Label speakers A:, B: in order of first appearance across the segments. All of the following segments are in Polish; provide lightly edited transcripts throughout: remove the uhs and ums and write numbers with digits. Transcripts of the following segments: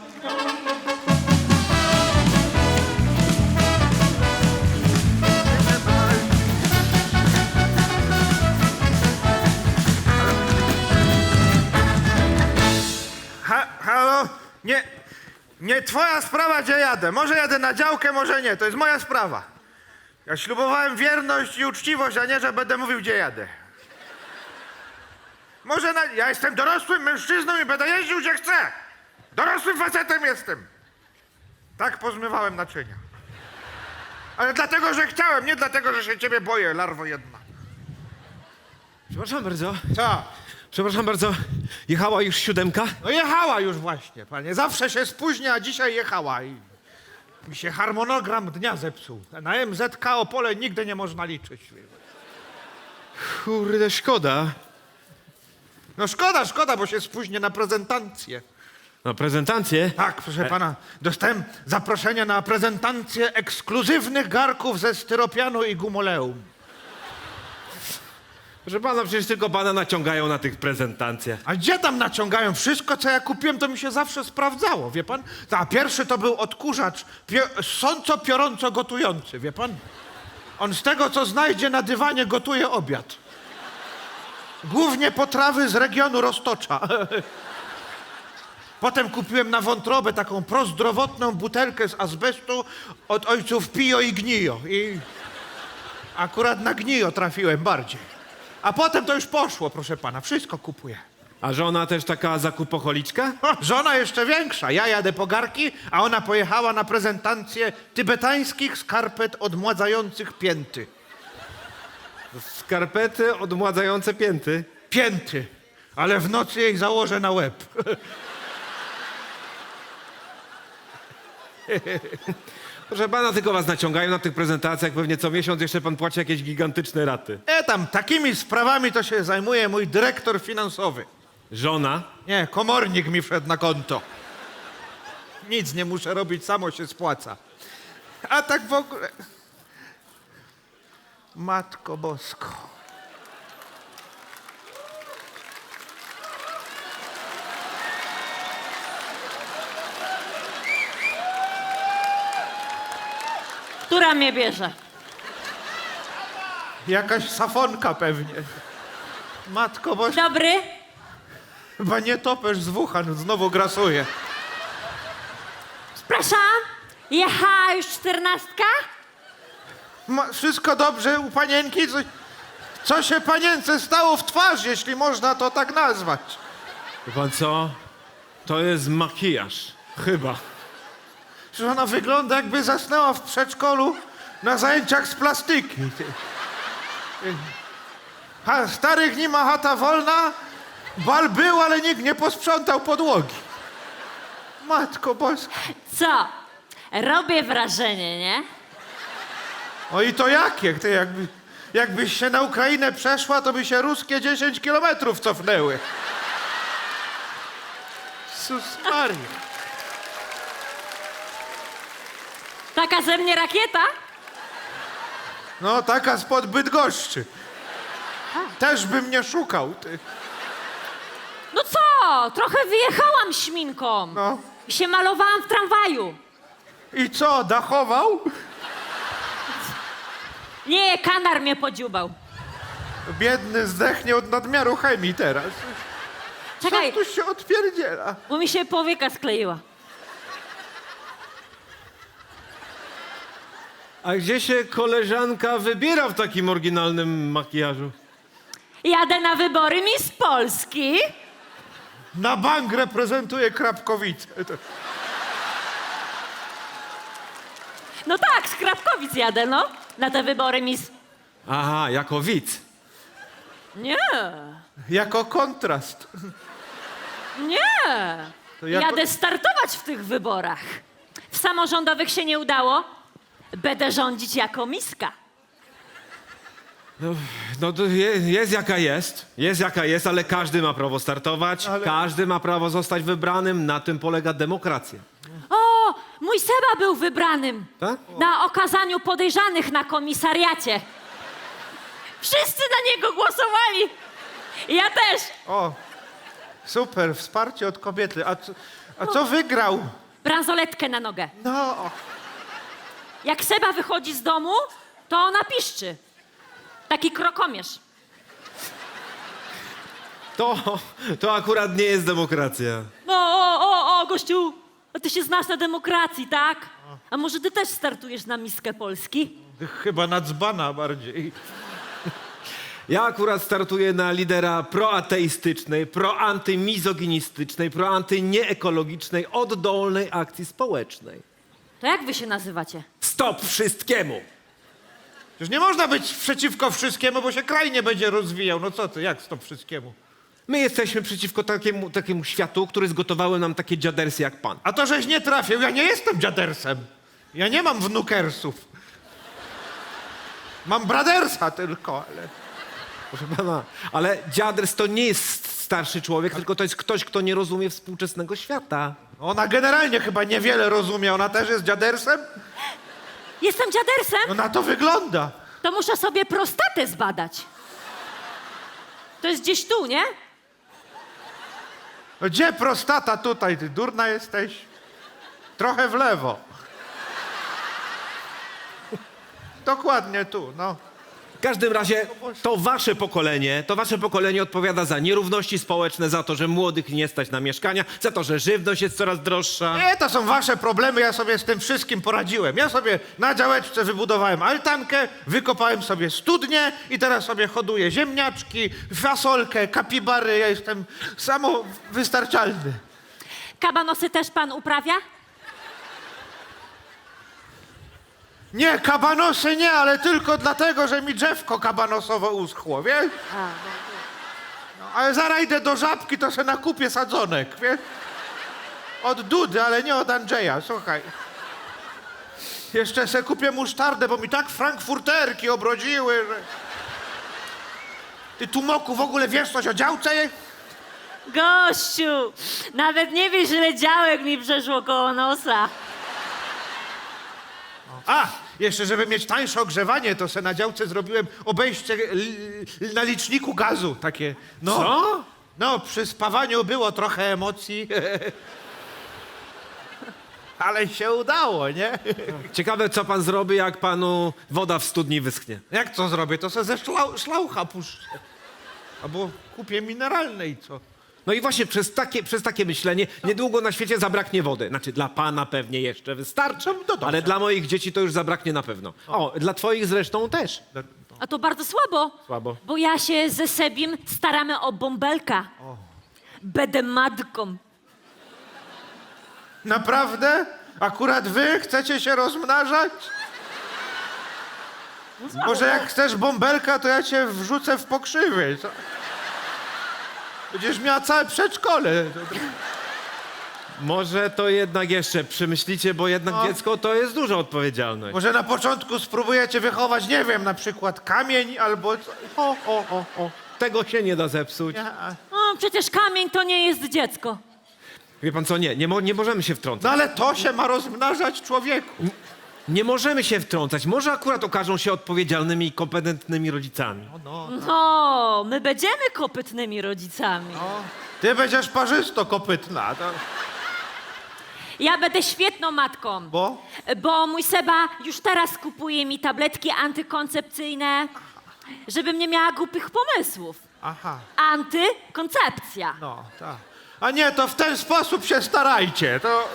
A: Halo? Nie twoja sprawa, gdzie jadę. Może jadę na działkę, może nie. To jest moja sprawa. Ja ślubowałem wierność i uczciwość, a nie, że będę mówił, gdzie jadę. Ja jestem dorosłym mężczyzną i będę jeździł, gdzie chcę. Dorosłym facetem jestem. Tak pozmywałem naczynia. Ale dlatego, że chciałem, nie dlatego, że się ciebie boję, larwo jedna.
B: Przepraszam bardzo.
A: Co?
B: Przepraszam bardzo. Jechała już 7?
A: No jechała już właśnie, panie. Zawsze się spóźnia, a dzisiaj jechała i mi się harmonogram dnia zepsuł. Na MZK Opole nigdy nie można liczyć.
B: Kurde, szkoda.
A: No szkoda, bo się spóźnię na prezentację.
B: Na prezentację?
A: Tak, proszę pana, dostałem zaproszenie na prezentację ekskluzywnych garków ze styropianu i gumoleum.
B: Proszę pana, przecież tylko pana naciągają na tych prezentacjach.
A: A gdzie tam naciągają? Wszystko, co ja kupiłem, to mi się zawsze sprawdzało, wie pan? A pierwszy to był odkurzacz sąco-piorąco gotujący, wie pan? On z tego, co znajdzie na dywanie, gotuje obiad. Głównie potrawy z regionu Roztocza. Potem kupiłem na wątrobę taką prozdrowotną butelkę z azbestu od ojców Pio i Gnio. I akurat na Gnio trafiłem bardziej. A potem to już poszło, proszę pana. Wszystko kupuję.
B: A żona też taka zakupocholiczka?
A: Żona jeszcze większa. Ja jadę po garki, a ona pojechała na prezentację tybetańskich skarpet odmładzających pięty.
B: Skarpety odmładzające pięty.
A: Pięty. Ale w nocy jej założę na łeb.
B: Proszę pana, tylko was naciągają na tych prezentacjach. Pewnie co miesiąc jeszcze pan płaci jakieś gigantyczne raty.
A: Tam, takimi sprawami to się zajmuje mój dyrektor finansowy.
B: Żona?
A: Nie, komornik mi wszedł na konto. Nic nie muszę robić, samo się spłaca. A tak w ogóle... Matko Bosko.
C: Która mnie bierze?
A: Jakaś safonka pewnie. Matko Bosko.
C: Dobry?
A: Chyba nie topesz z Wuhan, znowu grasuje.
C: Przepraszam? Jechała już 14?
A: Wszystko dobrze u panienki? Co się panience stało w twarz, jeśli można to tak nazwać?
B: Wie pan co? To jest makijaż. Chyba.
A: Że ona wygląda, jakby zasnęła w przedszkolu na zajęciach z plastyki. Starych nie ma chata wolna, bal był, ale nikt nie posprzątał podłogi. Matko Boska.
C: Co? Robię wrażenie, nie?
A: O i to jakie? Ty jakbyś się na Ukrainę przeszła, to by się ruskie 10 kilometrów cofnęły. Jezus Maria.
C: Taka ze mnie rakieta?
A: No, taka spod Bydgoszczy. Też bym nie szukał, ty.
C: No co? Trochę wyjechałam śminką.
A: No.
C: I się malowałam w tramwaju.
A: I co, dachował?
C: Nie, kanar mnie podziubał.
A: Biedny zdechnie od nadmiaru chemii teraz.
C: Czekaj,
A: Co tu się odpierdziela?
C: bo mi się powieka skleiła.
B: A gdzie się koleżanka wybiera w takim oryginalnym makijażu?
C: Jadę na wybory Miss Polski.
A: Na bank reprezentuje Krapkowice.
C: No tak, z Krapkowic jadę, no. Na te wybory Miss...
B: Aha, jako widz.
C: Nie,
A: Jako kontrast.
C: nie.
A: To jako-
C: Jadę startować w tych wyborach. W samorządowych się nie udało. Będę rządzić jako miska.
B: No to jest jaka jest, ale każdy ma prawo startować,
A: Ale-
B: każdy ma prawo zostać wybranym, na tym polega demokracja.
C: O, mój Seba był wybranym
B: Tak?
C: na okazaniu podejrzanych na komisariacie. Wszyscy na niego głosowali. Ja też.
A: O, super, wsparcie od kobiety. A co wygrał?
C: Bransoletkę na nogę.
A: No,
C: Jak Seba wychodzi z domu, to ona piszczy. Taki krokomierz.
B: To akurat nie jest demokracja.
C: No, gościu, a ty się znasz na demokracji, tak? A może ty też startujesz na miskę Polski?
A: chyba na dzbana bardziej.
B: Ja akurat startuję na lidera proateistycznej, proantymizoginistycznej, proantynieekologicznej, oddolnej akcji społecznej.
C: To jak wy się nazywacie?
B: Stop wszystkiemu!
A: Przecież nie można być przeciwko wszystkiemu, bo się kraj nie będzie rozwijał. No co ty, jak stop wszystkiemu?
B: My jesteśmy przeciwko takiemu światu, który zgotowały nam takie dziadersy jak pan.
A: A to, żeś nie trafił, ja nie jestem dziadersem. Ja nie mam wnukersów. Mam bradersa tylko, ale...
B: Proszę pana, ale dziaders to nie jest starszy człowiek, tylko to jest ktoś, kto nie rozumie współczesnego świata.
A: Ona generalnie chyba niewiele rozumie. Ona też jest dziadersem?
C: Jestem dziadersem?
A: No na to wygląda.
C: To muszę sobie prostatę zbadać. To jest gdzieś tu, nie?
A: No gdzie prostata tutaj? Ty durna jesteś? Trochę w lewo. Dokładnie tu, no.
B: W każdym razie to wasze pokolenie odpowiada za nierówności społeczne, za to, że młodych nie stać na mieszkania, za to, że żywność jest coraz droższa.
A: Nie, to są wasze problemy, ja sobie z tym wszystkim poradziłem. Ja sobie na działeczce wybudowałem altankę, wykopałem sobie studnię i teraz sobie hoduję ziemniaczki, fasolkę, kapibary. Ja jestem samowystarczalny.
C: Kabanosy też pan uprawia?
A: Nie, kabanosy nie, ale tylko dlatego, że mi drzewko kabanosowo uschło, wiesz? No, ale zaraz idę do Żabki, to se nakupię sadzonek, wiesz? Od Dudy, ale nie od Andrzeja, słuchaj. Jeszcze se kupię musztardę, bo mi tak frankfurterki obrodziły, że... Ty, Tumoku, w ogóle wiesz coś o działce?
C: Gościu, nawet nie wiesz, ile działek mi przeszło koło nosa.
A: A, jeszcze żeby mieć tańsze ogrzewanie, to se na działce zrobiłem obejście na liczniku gazu, takie. No,
B: Co?
A: No, przy spawaniu było trochę emocji. Ale się udało, nie?
B: Ciekawe, co pan zrobi, jak panu woda w studni wyschnie.
A: Jak co zrobię? To se ze szlaucha puszczę. Albo kupię mineralne i co?
B: No i właśnie przez takie myślenie niedługo na świecie zabraknie wody. Znaczy dla pana pewnie jeszcze wystarczy,
A: No dobrze.
B: ale dla moich dzieci to już zabraknie na pewno. O, dla twoich zresztą też.
C: A to bardzo słabo.
B: Słabo.
C: Bo ja się ze Sebim staramy o bąbelka. Będę matką.
A: Naprawdę? Akurat wy chcecie się rozmnażać? Może jak chcesz bąbelka, to ja cię wrzucę w pokrzywy. Co? Będziesz miała całe przedszkole.
B: Może to jednak jeszcze przemyślicie, bo jednak dziecko to jest duża odpowiedzialność.
A: Może na początku spróbujecie wychować, nie wiem, na przykład kamień albo...
B: O. Tego się nie da zepsuć.
C: O, przecież kamień to nie jest dziecko.
B: Wie pan co, nie możemy się wtrącać.
A: No ale to się ma rozmnażać człowieku.
B: Nie możemy się wtrącać. Może akurat okażą się odpowiedzialnymi i kompetentnymi rodzicami.
C: No, my będziemy kopytnymi rodzicami.
A: Ty będziesz parzysto-kopytna. To...
C: Ja będę świetną matką.
A: Bo?
C: Bo mój Seba już teraz kupuje mi tabletki antykoncepcyjne, żebym nie miała głupich pomysłów.
A: Aha,
C: Antykoncepcja.
A: no tak. A nie, to w ten sposób się starajcie. To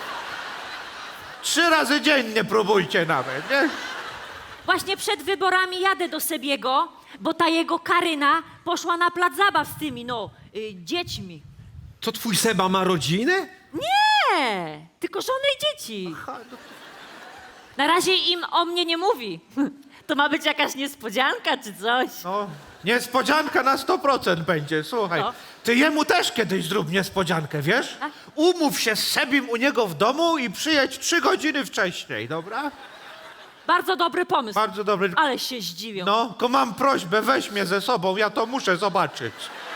A: 3 razy dziennie próbujcie nawet, nie?
C: Właśnie przed wyborami jadę do Sebiego, bo ta jego Karyna poszła na plac zabaw z tymi, dziećmi.
B: Co, twój Seba ma rodzinę?
C: Nie, tylko żony i dzieci. Na razie im o mnie nie mówi. To ma być jakaś niespodzianka czy coś.
A: No, niespodzianka na 100% będzie, słuchaj.
C: No.
A: Ty jemu też kiedyś zrób niespodziankę, wiesz? Umów się z Sebim u niego w domu i przyjedź 3 godziny wcześniej, dobra?
C: Bardzo dobry pomysł.
A: Bardzo dobry.
C: Ale się zdziwią.
A: No, tylko mam prośbę, weź mnie ze sobą, ja to muszę zobaczyć.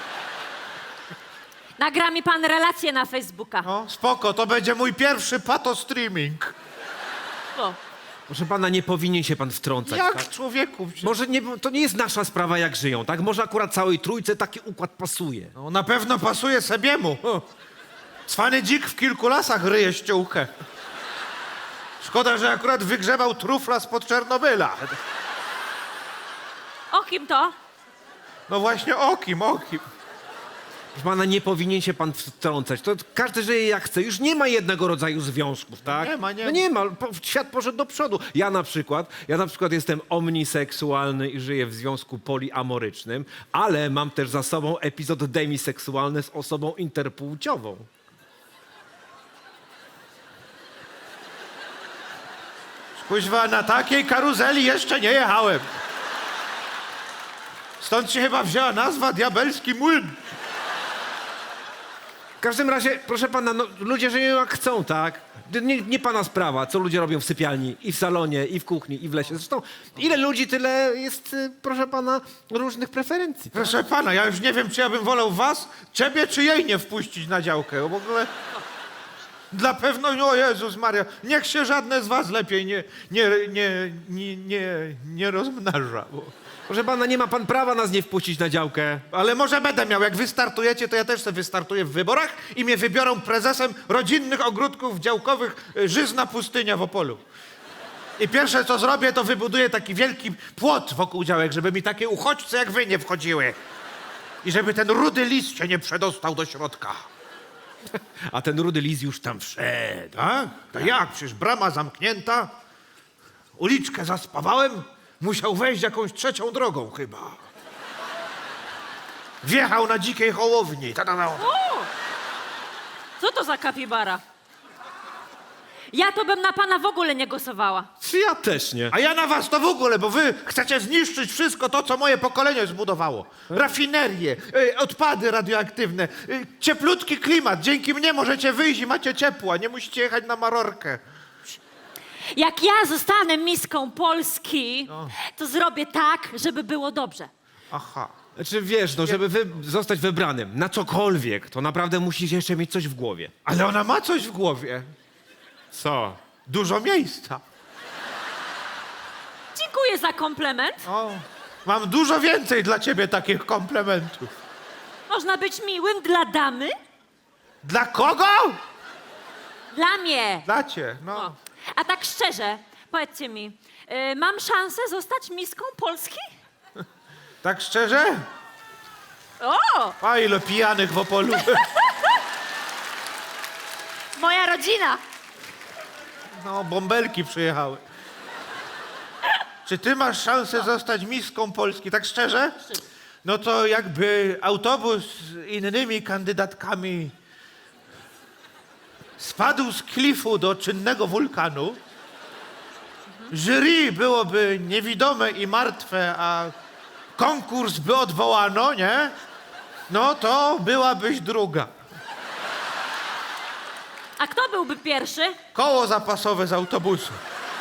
C: Nagra mi pan relację na Facebooka.
A: No, spoko, to będzie mój pierwszy pato-streaming.
C: O.
B: Proszę pana, nie powinien się pan wtrącać.
A: Jak,
B: Tak?
A: człowieku?
B: Może nie, to nie jest nasza sprawa, jak żyją, tak? Może akurat całej trójce taki układ pasuje.
A: No, na pewno pasuje Sebiemu. Cwany dzik w kilku lasach ryje ściółkę. Szkoda, że akurat wygrzebał trufla spod Czernobyla.
C: O kim to?
A: No właśnie o kim?
B: Proszę pana, nie powinien się pan wtrącać. To każdy żyje jak chce. Już nie ma jednego rodzaju związków, tak?
A: Nie ma.
B: No nie ma. Świat poszedł do przodu. Ja na przykład jestem omniseksualny i żyję w związku poliamorycznym, ale mam też za sobą epizod demiseksualny z osobą interpłciową.
A: Kuźwa, na takiej karuzeli jeszcze nie jechałem. Stąd się chyba wzięła nazwa Diabelski Młyn.
B: W każdym razie, proszę pana, no, ludzie żyją jak chcą, tak? Nie pana sprawa, co ludzie robią w sypialni, i w salonie, i w kuchni, i w lesie. Zresztą, ile ludzi, tyle jest, proszę pana, różnych preferencji.
A: Proszę pana, ja już nie wiem, czy ja bym wolał was, ciebie, czy jej nie wpuścić na działkę. W ogóle dla pewności, o Jezus Maria, niech się żadne z was lepiej nie rozmnaża.
B: Proszę pana, nie ma pan prawa nas nie wpuścić na działkę.
A: Ale może będę miał, jak wy startujecie, to ja też sobie wystartuję w wyborach i mnie wybiorą prezesem rodzinnych ogródków działkowych Żyzna Pustynia w Opolu. I pierwsze, co zrobię, to wybuduję taki wielki płot wokół działek, żeby mi takie uchodźce jak wy nie wchodziły. I żeby ten rudy lis się nie przedostał do środka.
B: A ten rudy lis już tam wszedł.
A: Tak? To jak? Przecież brama zamknięta. Uliczkę zaspawałem. Musiał wejść jakąś trzecią drogą chyba. Wjechał na dzikiej hołowni.
C: Co to za kapibara? Ja to bym na pana w ogóle nie głosowała.
B: Ja też nie.
A: A ja na was to w ogóle, bo wy chcecie zniszczyć wszystko to, co moje pokolenie zbudowało. Rafinerie, odpady radioaktywne, cieplutki klimat. Dzięki mnie możecie wyjść i macie ciepło, a nie musicie jechać na Marorkę.
C: Jak ja zostanę miską Polski, to zrobię tak, żeby było dobrze.
A: Aha.
B: Znaczy wiesz, no żeby zostać wybranym na cokolwiek, to naprawdę musisz jeszcze mieć coś w głowie.
A: Ale ona ma coś w głowie.
B: Co?
A: Dużo miejsca.
C: Dziękuję za komplement.
A: O, mam dużo więcej dla ciebie takich komplementów.
C: Można być miłym dla damy?
A: Dla kogo?
C: Dla mnie.
A: Dla cię, no.
C: O. A tak szczerze, powiedzcie mi, mam szansę zostać miską Polski?
A: Tak szczerze?
C: O,
A: A ile pijanych w Opolu.
C: moja rodzina.
A: No, bąbelki przyjechały. Czy ty masz szansę zostać miską Polski, tak szczerze? No to jakby autobus z innymi kandydatkami spadł z klifu do czynnego wulkanu, jury byłoby niewidome i martwe, a konkurs by odwołano, nie? No to byłabyś druga.
C: A kto byłby pierwszy?
A: Koło zapasowe z autobusu.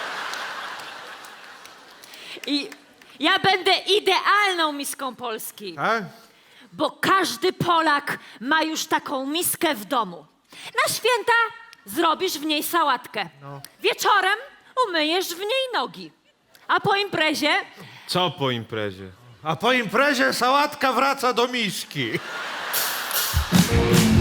C: I ja będę idealną miską Polski,
A: Tak?
C: bo każdy Polak ma już taką miskę w domu. Na święta zrobisz w niej sałatkę. Wieczorem umyjesz w niej nogi. A po imprezie
B: Co po imprezie?
A: A po imprezie sałatka wraca do miski.